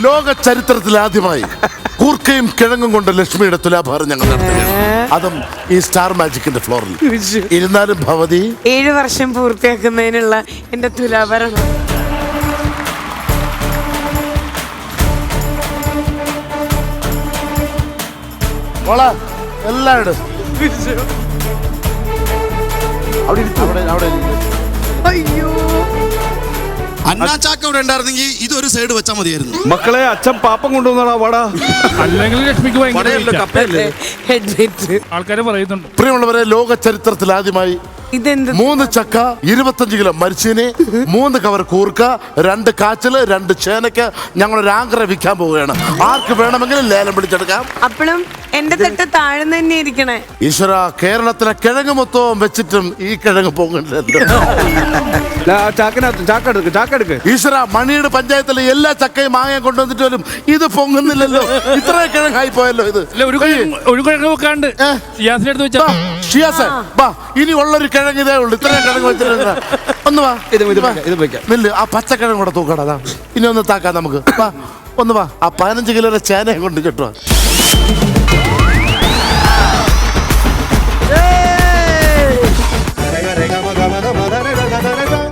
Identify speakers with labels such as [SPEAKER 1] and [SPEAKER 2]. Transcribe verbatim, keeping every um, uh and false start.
[SPEAKER 1] ലോക ചരിത്രത്തിൽ ആദ്യമായി കൂർക്കയും കിഴങ്ങും കൊണ്ട് ലക്ഷ്മിയുടെ തുലാഭാരം ഞങ്ങൾ നടത്തുകയാണ്. അതും ഈ സ്റ്റാർ മാജിക്കിന്റെ ഫ്ലോറിൽ. ഇരുന്നാലും ഭവതി
[SPEAKER 2] ഏഴു വർഷം പൂർത്തിയാക്കുന്നതിനുള്ള എന്റെ തുലാഭാരം.
[SPEAKER 1] എല്ലാം ഇട്. അവിടെ അവിടെ അവിടെ
[SPEAKER 2] അയ്യോ
[SPEAKER 3] അന്നാച്ചാക്ക ഇവിടെ ഉണ്ടായിരുന്നെങ്കിൽ ഇതൊരു സൈഡ് വെച്ചാൽ മതിയായിരുന്നു.
[SPEAKER 4] മക്കളെ അച്ഛൻ പാപ്പം കൊണ്ടുവന്നാ വാടാ.
[SPEAKER 5] അല്ലെങ്കിൽ ലക്ഷ്മിക്ക്
[SPEAKER 2] ഹെഡ്ലൈറ്റ്
[SPEAKER 5] ആൾക്കാര് പറയുന്നുണ്ട്.
[SPEAKER 1] പ്രിയമുള്ളവരെ, ലോക ചരിത്രത്തിൽ ആദ്യമായി
[SPEAKER 2] ഇതെന്ത്
[SPEAKER 1] മൂന്ന് ചക്ക, ഇരുപത്തഞ്ച് കിലോ മരിച്ചീനി, മൂന്ന് കവർ കൂർക്ക, രണ്ട് കാച്ചില്, രണ്ട് ചേനക്ക് ഞങ്ങളൊരു ആങ്കറ വിൽക്കാൻ പോവുകയാണ്. ആർക്ക് വേണമെങ്കിലും ലേലം പിടിച്ചെടുക്കാം.
[SPEAKER 2] അപ്പോഴും എന്റെ തട്ട് താഴ്ന്നു തന്നെ ഇരിക്കണേ.
[SPEAKER 1] ഈശ്വര, കേരളത്തിലെ കിഴങ്ങ് മൊത്തവും വെച്ചിട്ടും ഈ കിഴങ്ങ് പോകുന്നില്ലല്ലോ.
[SPEAKER 4] ചാക്കിനകത്ത് ചാക്കെടുക്ക് ചാക്കെടുക്ക്.
[SPEAKER 1] ഈശ്വര, മണിയുടെ പഞ്ചായത്തിലെ എല്ലാ ചക്കയും മാങ്ങയും കൊണ്ടുവന്നിട്ട് പോലും ഇത് പൊങ്ങുന്നില്ലല്ലോ. ഇത്ര കിഴങ്ങായി പോയല്ലോ ഇത്.
[SPEAKER 5] ഒരു ഒരു കിഴങ്ങ് വെക്കാണ്ട് ഷിയാസിന്റെ അടുത്ത് വെച്ചാ
[SPEAKER 1] ഷിയാസേ, വാ, ഇനി ഉള്ളൊരു കിഴങ്ങ് ഇതേ ഉള്ളു. ഇത്രയും കിഴങ്ങ് വെച്ചിട്ട് ഒന്ന് വാ.
[SPEAKER 4] ഇത് ഇത് വെക്കാം, ഇത് വെക്കാം.
[SPEAKER 1] നില്ല്, ആ പച്ചക്കിഴങ്ങ് കൂടെ തൂക്കടാ. ഇനി ഒന്ന് താക്കാം നമുക്ക്. വാ, ഒന്ന് വാ. ആ പതിനഞ്ച് കിലോയുടെ ചേനയും കൊണ്ട് ചുറ്റുവാ.